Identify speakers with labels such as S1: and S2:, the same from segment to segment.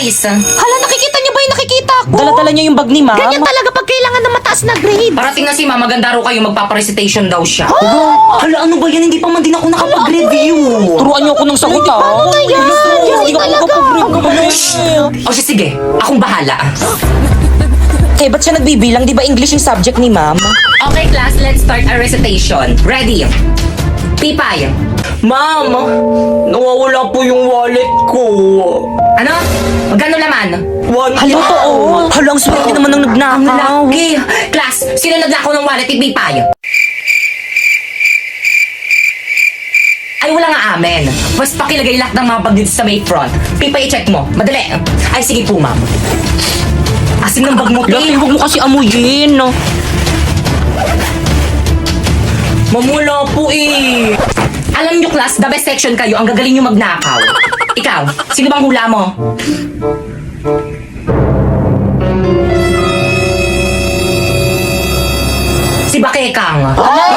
S1: Miss.
S2: Hala, nakikita niyo ba yung nakikita ko?
S3: Dala-dala niya yung bag ni ma'am.
S2: Ganyan talaga pag kailangan ng mataas na grade.
S1: Parating na si ma'am, maganda raw kayo, magpaparecitation daw siya.
S3: Hala, ano ba yan? Hindi pa man din ako nakapag-review. Turuan niyo ako ng sagot, ha?
S2: Paano na yan? Hindi talaga.
S1: O siya, sige, akong bahala.
S3: Eh, ba't siya nagbibilang? Di ba English yung subject ni ma'am?
S1: Okay, class, let's start our recitation. Ready? Pipay.
S3: Ma'am, nawawala po yung wallet ko.
S1: Ano? Magkano laman?
S3: Hala, totoo. Hala, ang swerte naman ng nagnakaw.
S1: Okay. Class, sino naglako ng wallet ni Pipay? Ay, wala nga amen. Mas pakilagay lahat ng mga bag dito sa may front. Pipay, check mo. Madali. Ay, sige po, ma'am. Asim ng bag mo,
S3: Lati,
S1: Pip.
S3: huwag mo kasi amuyin. Mamula po eh.
S1: Alam nyo, class, the best section kayo. Ang gagaling nyo magnakaw. Ikaw, sino bang hula mo? Si Bakekang.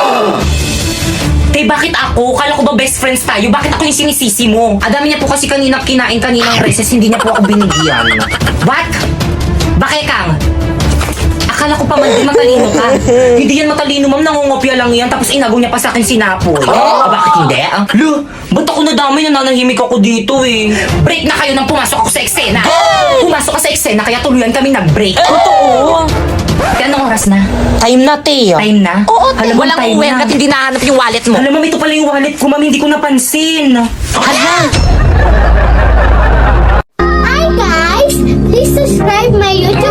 S1: Eh, bakit ako? Kala ko ba best friends tayo? Bakit ako yung sinisisi mo? Adami niya po kasi kaninang kinain kaninang recess, hindi niya po ako binigyan. What? Bakekang? Akala ko pa man di matalino ka. Hindi yan matalino, ma'am. Nangungopia lang yan. Tapos inagaw niya pa sa akin sinapoy. Bakit hindi?
S3: Lo, ba't ako nadamay na nanahimik ako dito eh?
S1: Break na kayo nang pumasok ako sa eksena. Pumasok ka sa eksena, kaya tuluyan kami nag-break.
S3: Totoo.
S1: Kaya anong oras na?
S3: Time na, Teo.
S1: Time na?
S2: Oo,
S1: Alam mo,
S2: walang
S1: time
S2: uwi
S1: na.
S2: at hindi nahanap yung wallet mo.
S1: Alam mo, ito pala yung wallet ko, ma'am. Hindi ko napansin.
S2: Hala.
S4: Hi guys! Please subscribe my YouTube